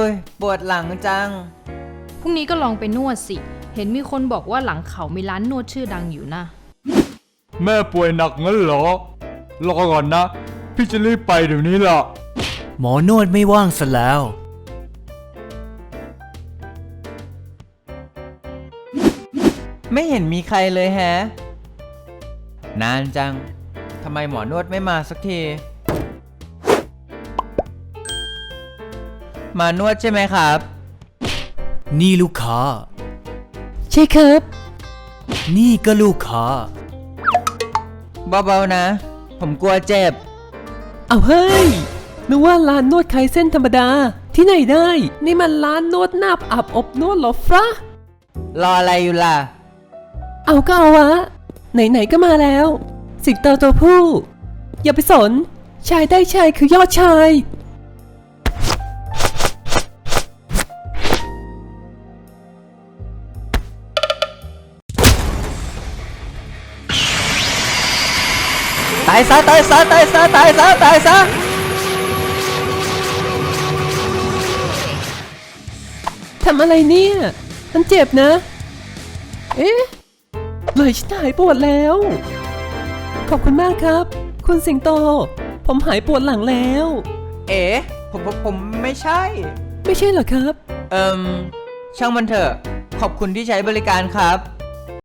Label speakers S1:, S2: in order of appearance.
S1: ยปวดหลังจัง
S2: พรุ่งนี้ก็ลองไปนวดสิเห็นมีคนบอกว่าหลังเขามีร้านนวดชื่อดังอยู่นะ
S3: แม่ป่วยหนักงั้นเหรอรอก่อนนะพี่จะรีบไปเดี๋ยวนี้ล่ะ
S4: หมอนวดไม่ว่างซะแล้ว
S1: ไม่เห็นมีใครเลยแฮะนานจังทำไมหมอนวดไม่มาสักทีมานวดใช่ไหมครับ
S4: นี่ลูกค้า
S5: ใช่ครับ
S4: นี่ก็ลูกค้า
S1: เบาๆนะผมกลัวเจ็บ
S5: เอาเฮ้ยนึกว่าร้านนวดคลายเส้นธรรมดาที่ไหนได้นี่มันร้านนวดหน้าอาบอบนวดเหรอฟะ
S1: รออะไรอยู่ล่ะ
S5: เอาก็เอาวะไหนๆก็มาแล้วสิงโตตัวผู้อย่าไปสนชายได้ชายคือยอดชาย
S1: ตายซะตายซะตายซะตายซะตายซะ
S5: ทำอะไรเนี่ยมันเจ็บนะเอ๊ะเลยฉันหายปวดแล้วขอบคุณมากครับคุณสิงโตผมหายปวดหลังแล้ว
S1: เอ๋ผมไม่ใช่
S5: ไม่ใช่เหรอครับ
S1: ช่างมันเถอะขอบคุณที่ใช้บริการครับ